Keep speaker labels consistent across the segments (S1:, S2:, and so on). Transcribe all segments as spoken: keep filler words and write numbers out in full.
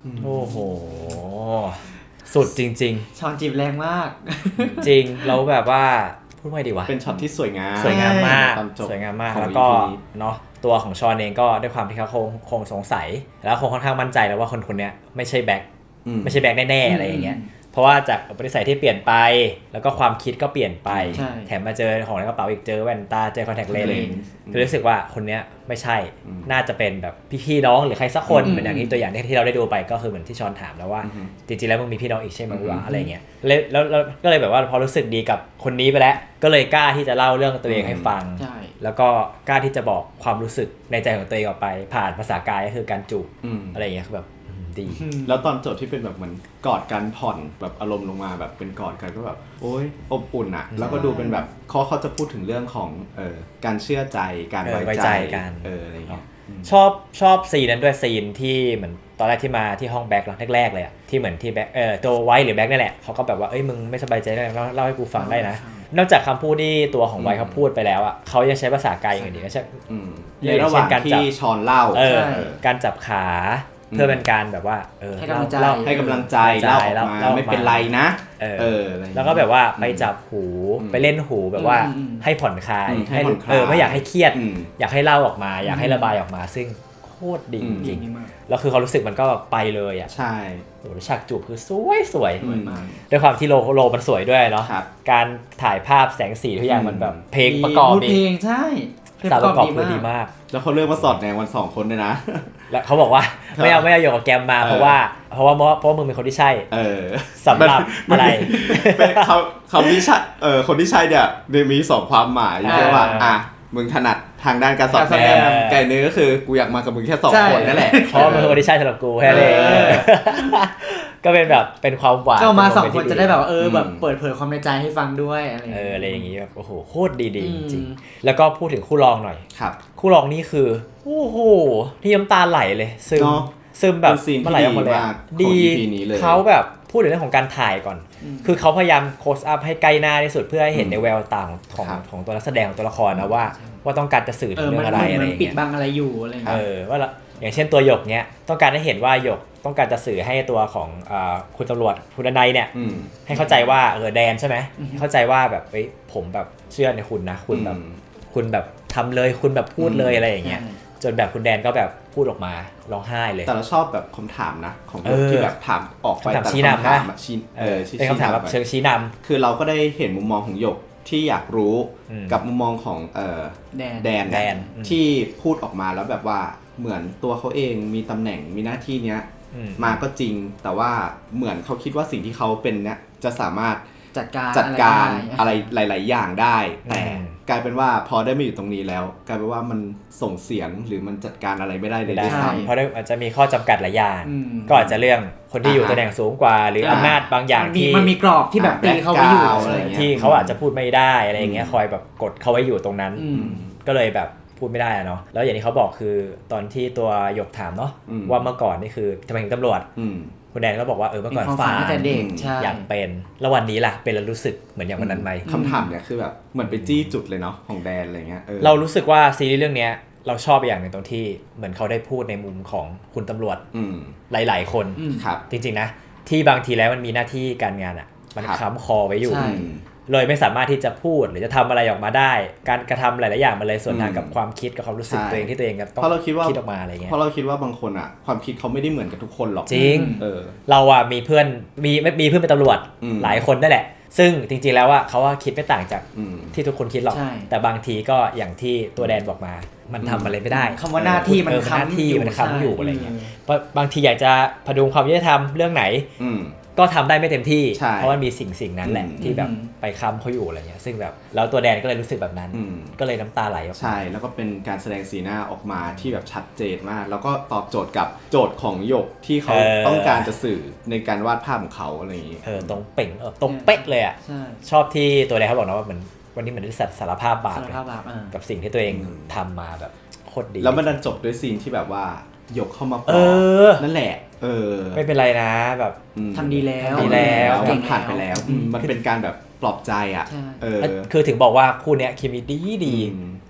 S1: โอ้โหสุดจริง
S2: ๆช้อนจีบแรงมาก
S1: จริงเราแบบว่าพูดไม่ดีวะ
S3: เป็นช็อตที่สวยงาม
S1: สวยงามมากสวยงามมากแล้วก็เนาะตัวของชอนเองก็ด้วยความที่เขาคงคงสงสัยแล้วคงค่อนข้างมั่นใจแล้วว่าคนคนนี้ไม่ใช่แบ็คไม่ใช่แบ็คแน่ๆอะไรอย่างเงี้ยเพราะว่าจากอุปนิสัยที่เปลี่ยนไปแล้วก็ความคิดก็เปลี่ยนไปแถมมาเจอของในกระเป๋าอีกเจอแว่นตาเจอคอนแทคเลนส์ก็รู้สึกว่าคนนี้ไม่ใช่น่าจะเป็นแบบพี่ๆน้องหรือใครสักคนเหมือนอย่างที่ตัวอย่างที่เราได้ดูไปก็คือเหมือนที่ชอนถามแล้วว่าจริงๆแล้วมึงมีพี่น้องอีกใช่ไหมวะอะไรเงี้ยแล้วแล้วก็เลยแบบว่าพอรู้สึกดีกับคนนี้ไปแล้วก็เลยกล้าที่จะเล่าเรื่องตัวเองให้ฟังแล้วก็กล้าที่จะบอกความรู้สึกในใจของตัวเองออกไปผ่านภาษากายก็คือการจูบอะไรเงี้ยคือแบบดี
S3: แล้วตอนจบที่เป็นแบบเหมือนกอดกันผ่อนแบบอารมณ์ลงมาแบบเป็นกอดกันก็แบบโอ๊ยอบอุ่นอ่ะแล้วก็ดูเป็นแบบเขาเขาจะพูดถึงเรื่องของเอ่อการเชื่อใจการไว้ใจ
S1: กัน
S3: เอออะไรเงี้ย
S1: ชอบชอบซีนนั้นด้วยซีนที่เหมือนตอนแรกที่มาที่ห้องแบ็คแรกๆเลยอ่ะที่เหมือนที่แบ็คเออตัวไวท์หรือแบ็คนี่แหละเขาก็แบบว่าเอ้ยมึงไม่สบายใจได้เล่าให้กูฟังได้นะนอกจากคำพูดที่ตัวของไวท์เขาพูดไปแล้วอ่ะเขายังใช้ภาษากายอย่างอื่นอีกก็ใช่
S3: ในระหว่างที่ชอนเล่า
S1: การจับขาเพื่อเป็นการแบบว่าเออ
S2: ให้กำลังใจ
S3: ให้กำลังใจเล่าออกมาไม่เป็นไรนะ
S1: เออแล้วก็แบบว่าไปจับหูไปเล่นหูแบบว่าให้ผ่อนคลายให้เออไม่อยากให้เครียดอยากให้เล่าออกมาอยากให้ระบายออกมาซึ่งโคตรดีจริงๆแล้วคือเขารู้สึกมันก็ไปเลยอ่ะ
S3: ใช่
S1: โอ้ฉากจูบคือสวยสวยด้วยความที่โลโลมันสวยด้วยเนาะการถ่ายภาพแสงสีทุกอย่างมันแบบเพลงประกอบ
S2: เพลงใช่
S1: สาวประกอบคือดีมาก
S3: แล้วเขาเลือกมาสอดแนงวันสองคนด้วยนะ
S1: แล้วเขาบอกว่าไม่เอาไม่เอาโยกกับแกมมาเพราะว่าเพราะว่าเพราะว่ามึงเป็นคนที่ใช่สำหรับอะไร
S3: เป็นเขาเขาที่ใช่เออคนที่ใช่เนี่ยมีสองความหมายใช่ว่าอ่ะมึงถนัดทางด้านการสอดแนงไก่เนื้อก็คือกูอยากมากับมึงแค่สองคนนั่นแหละ
S1: เพราะมึงเป็นคนที่ใช่สำหรับกูแค่นี้ก็เป็นแบบเป็นความหวาน
S2: ก็มาสองคนจะได้แบบเออแบบเปิดเผยความในใจให้ฟังด้วยอะไร
S1: เอออะไรอย่างงี้แบบโอ้โหโคตรดีๆจริงๆแล้วก็พูดถึงคู่รองหน่อย
S3: ครับ
S1: คู่รองนี่คือโอ้โหที่น้ำตาไหลเลยซึมซึมแบบ
S3: มันไหลออกมาเลย
S1: ดีเขาแบบพูดถึงเรื่องของการถ่ายก่อนคือเขาพยายามโคสอัพให้ใกล้หน้าที่สุดเพื่อให้เห็นในแววตาของของตัวนักแสดงของตัวละครนะว่าว่าต้องการจะสื่อถึงเรื่องอะไรอะไรอย่างเงี้ย
S2: ปิดบังอะไรอยู่อะไรเงี้ย
S1: เออว่าอย่างเช่นตัวหยกเนี้ยต้องการให้เห็นว่าหยกต้องการจะสื่อให้ตัวของคุณตำรวจคุณนายเนี่ยให้เข้าใจว่าเออแดนใช่ไหมเข้าใจว่าแบบเฮ้ยผมแบบเชื่อในคุณนะคุณแบบคุณแบบทำเลยคุณแบบพูดเลยอะไรอย่างเงี้ยจนแบบคุณแดนก็แบบพูดออกมาร้องไห้เลย
S3: แต่เราชอบแบบคำถามนะของที่แบบถามออกไปแต่คำถามชี้
S1: น
S3: ำชี้
S1: เออเป็นคำถามแบบเชิงชี้น
S3: ำคือเราก็ได้เห็นมุมมองของหยกที่อยากรู้กับมุมมองของเอ่อแดน
S1: แดน
S3: ที่พูดออกมาแล้วแบบว่าเหมือนตัวเขาเองมีตำแหน่งมีหน้าที่เนี้ยมาก็จริงแต่ว่าเหมือนเขาคิดว่าสิ่งที่เขาเป็นเนี้ยจะสามารถ
S2: จัดการ
S3: จัดการอะไรหลายๆอย่างได้แต่กลายเป็นว่าพอได้มาอยู่ตรงนี้แล้วกลายเป็นว่ามันส่งเสียงหรือมันจัดการอะไรไม่ได้เลยด้วยซ้ำ
S1: เพราะอาจจะมีข้อจำกัดหลายอย่างก็อาจจะเรื่องคนที่อยู่ตำแหน่งสูงกว่าหรืออำนาจบางอย่างที่
S2: มันมีกรอบที่แบบตีเขาไว้อยู่
S1: ที่เขาอาจจะพูดไม่ได้อะไรอย่างเงี้ยคอยแบบกดเขาไว้อยู่ตรงนั้นก็เลยแบบพูดไม่ได้เนาะแล้วอย่างที่เขาบอกคือตอนที่ตัวหยกถามเนาะว่าเมื่อก่อนนี่คือทำไมถึงตำรวจคุณแดนก็บอกว่าเออเมื่อก่อนฝันอยากเป็นแล้ววันนี้ล่ะเป็นแล้วรู้สึกเหมือนอย่างวันนั้นไหม
S3: คำถามเนี่ยคือแบบเหมือนไปจี้จุดเลยเนาะของแดนอะไรเงี้ย
S1: เรารู้สึกว่าซีรีส์เรื่องนี้เราชอบอย่างหนึ่งตรงที่เหมือนเขาได้พูดในมุมของคุณตำรวจหลายๆคนจริงๆนะที่บางทีแล้วมันมีหน้าที่การงานอ่ะมันค้ำคอไว้อยู่เลยไม่สามารถที่จะพูดหรือจะทำอะไรออกมาได้การกระทำหลายๆอย่างมันเลยส่วนทางกับความคิดกับความรู้สึกตัวเองที่ตัวเองต้องคิดออกมาอะไรเงี้ย
S3: เพราะเราคิดว่าบางคนอ่ะความคิดเขาไม่ได้เหมือนกับทุกคนหรอก
S1: จริงเออเราอ่ะมีเพื่อนมีมีเพื่อนเป็นตำรวจหลายคนนั่นแหละซึ่งจริงๆแล้วว่าเขาว่าคิดไม่ต่างจากที่ทุกคนคิดหรอกแต่บางทีก็อย่างที่ตัวแดนบอกมามันทำอะไรไม่ได้
S2: คำว่าหน้าที่มัน
S1: ค้ำที่มันค้ำอยู่อะไรเงี้ยบางทีอยากจะพดุงความยุติธรรมเรื่องไหนก็ทำได้ไม่เต็มที่เพราะมันมีสิ่งสิ่งนั้นแหละที่แบบไปค้ำเขาอยู่อะไรเงี้ยซึ่งแบบแล้วตัวแดนก็เลยรู้สึกแบบนั้นก็เลยน้ำตาไหลออกมา
S3: ใช่แล้วก็เป็นการแสดงสีหน้าออกมาที่แบบชัดเจนมากแล้วก็ตอบโจทย์กับโจทย์ของหยกที่เขาต้องการจะสื่อในการวาดภาพของเขาอะไรอย่างเงี้ย
S1: เออตรงเป่งเออตรงเป๊ะเลยอ่ะชอบที่ตัวแดนเขาบอกนะว่าเหมือนวันนี้เหมือนได้สารภาพบาปกับสิ่งที่ตัวเองทำมาแบบโคตรดี
S3: แล้วมันดันจบด้วยซีนที่แบบว่าหยกเข้ามาปลอบนั่นแหละเออ
S1: ไม่เป็นไรนะแบบ
S2: ทำดีแล้ว
S1: ดีแล้ว
S3: มันผ่านไปแล้วมันเป็นการแบบปลอบใจอ่ะ
S1: เออคือถึงบอกว่าคู่เนี้ยเคมีดีดี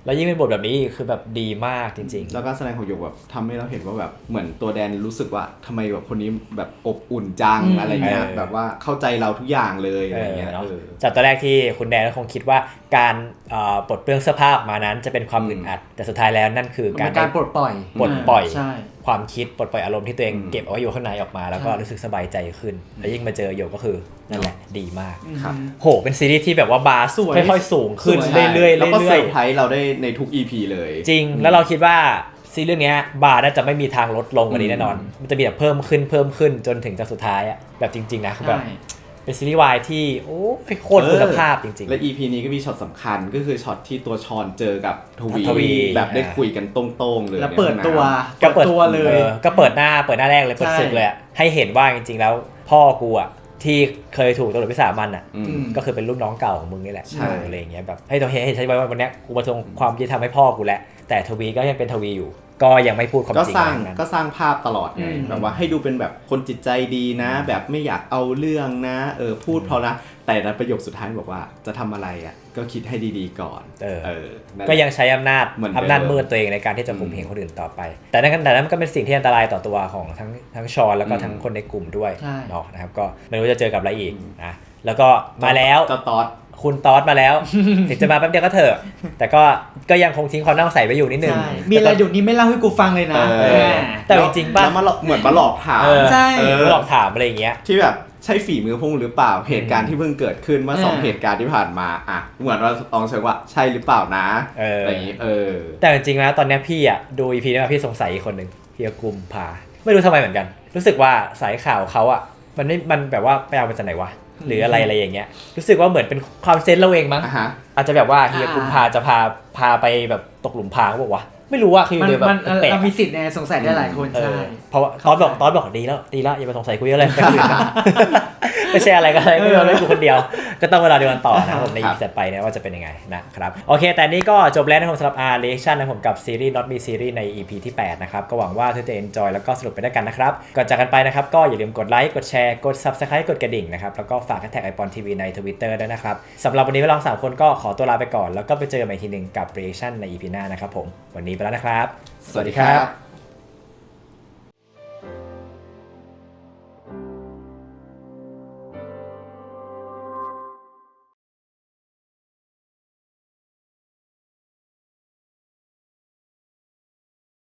S1: แล้วยิ่งเป็นบทแบบนี้คือแบบดีมากจริงๆ
S3: แล้วก็แสดงของหยกแบบทำให้เราเห็นว่าแบบเหมือนตัวแดนรู้สึกว่าทำไมแบบคนนี้แบบอบอุ่นจังอะไรเงี้ยแบบว่าเข้าใจเราทุกอย่างเลยอะไรเงี้ย
S1: จากตอนแรกที่คุณแดนก็คงคิดว่าการปลดเปลื้องเสื้อผ้าออกมานั้นจะเป็นความอึดอัดแต่สุดท้ายแล้วนั่นคือการ
S2: การปลดปล่อย
S1: ปลดปล่อยความคิดปลดปล่อยอารมณ์ที่ตัวเองเก็บเอาไว้อยู่ข้างในออกมาแล้วก็รู้สึกสบายใจขึ้นแล้วยิ่งมาเจอหยกก็คือนั่นแหละดีมากโหเป็นซีรีส์ที่แบบว่าบาร์ค่อยๆสูงขึ้นเรื่อยๆ
S3: แล้วก็เซอร์ไพรส์เราได้ในทุก อี พี เลย
S1: จริงแล้วเราคิดว่าซีรีส์เรื่องนี้บาร์น่าจะไม่มีทางลดลงกว่านี้แน่นอนมันจะมีแบบเพิ่มขึ้นเพิ่มขึ้นจนถึงจะสุดท้ายอะแบบจริงๆนะคือแบบเป็นซีรีส์วายที่โอ้โคตรคุณภาพจริงๆ
S3: และ อี พี นี้ก็มีช็อตสำคัญก็คือช็อตที่ตัวชอนเจอกับทวีแบบได้คุยกันตรงๆเลย
S2: แล้วเปิดตัว
S1: ก็เปิด
S2: ตัวเลย
S1: ก็เปิดหน้าเปิดหน้าแรกเลยเปิดศึกเลยอะให้เห็นว่าจริงๆแล้วพ่อกูอะที่เคยถูกตำรวจวิสามันอ่ะก็คือเป็นรุ่นน้องเก่าของมึงนี่แหละอะไรอย่างเงี้ยแบบให้ตัวเห็นเห็นใช่ไหมว่าวันนี้กูมาทวงความยุติธรรมให้พ่อกูแล้วแต่ทวีก็ยังเป็นทวีอยู่ก็ยังไม่พูดความจริง
S3: ก็สร้างก็สร้างภาพตลอดไงแบบว่าให้ดูเป็นแบบคนจิตใจดีนะแบบไม่อยากเอาเรื่องนะเออพูดเพราะนะแต่ในประโยคสุดท้ายบอกว่าจะทำอะไรอ่ะก็คิดให้ดีๆก่อน
S1: เออก็ยังใช้อำนาจอำนาจมืดตัวเองในการที่จะข่มเหงคนอื่นต่อไปแต่นั่นแต่นั้นก็เป็นสิ่งที่อันตรายต่อตัวของทั้งทั้งชอนแล้วก็ทั้งคนในกลุ่มด้วยเนาะนะครับก็ไม่รู้จะเจอกับอะไรอีกนะแล้วก็มาแล้ว
S3: จะตอด
S1: คุณตอสมาแล้วถึงจะมาแป๊บเดียวก็เถอะแต่ก็ก็ยังคงทิ้งความน่าสงสัยไว้อยู่นิดนึง
S2: มีอะไรอยู่นี้ไม่เล่าให้กูฟังเลยนะ
S1: แต่จริงๆป่ะ
S3: มาเหมือนมาหลอกถาม
S2: ใช่
S1: มาหลอกถามอะไรอย่างเงี้ย
S3: ที่แบบใช่ฝีมือพุ่งหรือเปล่าเหตุการณ์ที่เพิ่งเกิดขึ้นเมื่อสองเหตุการณ์ที่ผ่านมาอ่ะเหมือนเราลองเช็คว่าใช่หรือเปล่านะอะไรอย่างงี้เออ
S1: แต่จริงๆแล้วตอนนี้พี่อ่ะดู อี พี นี้มาพี่สงสัยอีกคนนึงพี่กุมภาไม่รู้ทำไมเหมือนกันรู้สึกว่าสายข่าวเขาอ่ะมันไม่มันแบบว่าไปเอามาจากไหนวะหรืออะไรอะไรอย่างเงี้ยรู้สึกว่าเหมือนเป็นความเซนส์เราเองมั้ง uh-huh. อาจจะแบบว่าเฮียกุมภาจะพาพาไปแบบตกหลุมพรางบอกว่าไม่รู้ว่าคือ
S2: เดี๋ยว
S1: แบบ
S2: แปลกๆมีสิทธิ์ในสงสัยได้หลายคนใช่
S1: เพราะว่าตอนบอกตอนบอกดีแล้วดีแล้วอย่ามาสงสัยกูเยอะเลยไปอื่นนะไม่ใช่อะไรก็ได้ไม่เอาเรื่องกูคนเดียวก็ต้องเวลาเดียวกันต่อนะผมใน อี พี ถัดไปนะว่าจะเป็นยังไงนะครับโอเคแต่นี้ก็จบแล้วนะครับสำหรับ R Reaction นะผมกับซีรีส์ Not Me Series ใน อี พี ที่แปดนะครับก็หวังว่าทุกท่านจะ enjoy แล้วก็สนุกไปด้วยกันนะครับก่อนจากกันไปนะครับก็อย่าลืมกดไลค์กดแชร์กด Subscribe กดกระดิ่งนะครับแล้วก็ฝากแท็กไอปอนทีวีใน Twitter ด้วยนะครับสำหรับวันนี้เราสามคนก็ขอตัวลาไปก่อนแล้วก็ไปเจอกันใหม่ทีนึงกับ Reaction ใน อี พี หน้านะครับผมวันนี้ไปแล้วนะครับ
S3: สวัสดีครับ